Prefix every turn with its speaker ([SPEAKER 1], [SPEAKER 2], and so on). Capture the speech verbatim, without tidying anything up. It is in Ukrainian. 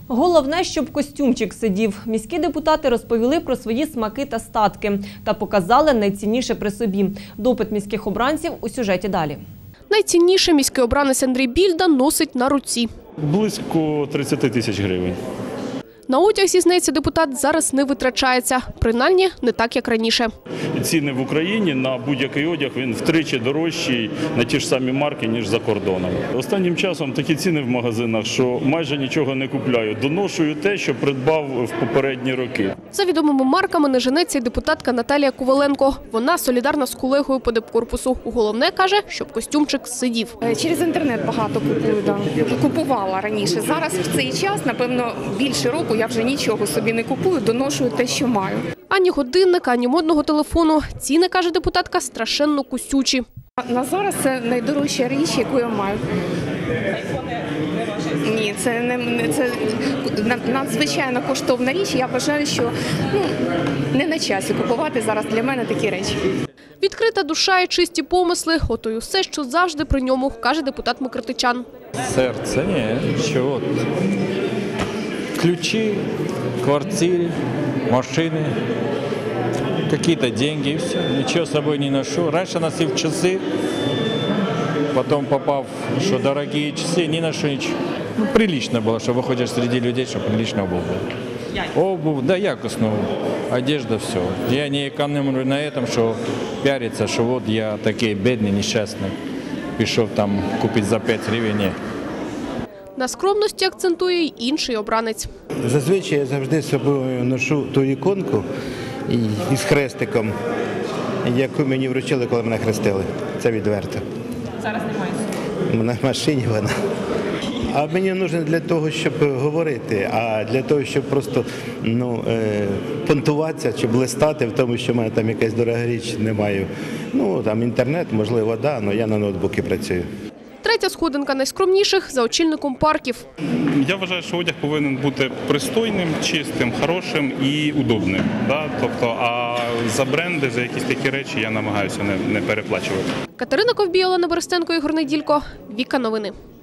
[SPEAKER 1] Головне, щоб костюмчик сидів. Міські депутати розповіли про свої смаки та статки та показали найцінніше при собі. Допит міських обранців у сюжеті далі.
[SPEAKER 2] Найцінніше міський обранець Андрій Більда носить на руці.
[SPEAKER 3] Близько тридцяти тисяч гривень.
[SPEAKER 2] На одяг, зізнається депутат, зараз не витрачається. Принаймні, не так, як раніше.
[SPEAKER 3] Ціни в Україні на будь-який одяг, він втричі дорожчий на ті ж самі марки, ніж за кордоном. Останнім часом такі ціни в магазинах, що майже нічого не купляю. Доношую те, що придбав в попередні роки.
[SPEAKER 2] За відомими марками не женеться й депутатка Наталія Коваленко. Вона солідарна з колегою по депкорпусу. Головне, каже, щоб костюмчик сидів.
[SPEAKER 4] Через інтернет багато купую, да. Купувала раніше. Зараз в цей час, напевно, більше року я вже нічого собі не купую, доношую те, що маю.
[SPEAKER 2] Ані годинника, ані модного телефону. Ціни, каже депутатка, страшенно кусючі.
[SPEAKER 4] На зараз це найдорожча річ, яку я маю. Ні, це не це надзвичайно коштовна річ. Я вважаю, що ну, не на часі купувати зараз для мене такі речі.
[SPEAKER 2] Відкрита душа і чисті помисли – ото й усе, що завжди при ньому, каже депутат Микритичан.
[SPEAKER 5] Серце, ні, що от. Ключи, квартиры, машины, какие-то деньги и все. Ничего с собой не ношу. Раньше носил часы, потом попав, что дорогие часы, не ношу ничего. Ну, прилично было, что выходишь среди людей, чтобы прилично обувь была. Обувь, да, якостную, одежда, все. Я не экономлю на этом, что пиариться, что вот я такой бедный, несчастный. Пішов там купить за п'ять гривень. Ні.
[SPEAKER 2] На скромності акцентує й інший обранець.
[SPEAKER 6] Зазвичай я завжди з собою ношу ту іконку із хрестиком, яку мені вручили, коли мене хрестили. Це відверто.
[SPEAKER 1] Зараз немає.
[SPEAKER 6] На машині вона. А мені потрібно для того, щоб говорити, а для того, щоб просто ну, е, понтуватися чи блистати в тому, що в мене там якась дорога річ, не маю. Ну, там інтернет, можливо, да, але я на ноутбуці працюю.
[SPEAKER 2] Третя сходинка найскромніших – за очільником парків.
[SPEAKER 7] Я вважаю, що одяг повинен бути пристойним, чистим, хорошим і удобним. Да? Тобто, а за бренди, за якісь такі речі я намагаюся не, не переплачувати.
[SPEAKER 2] Катерина Ковбій, Олена Берестенко, Ігор Неділько. Віка новини.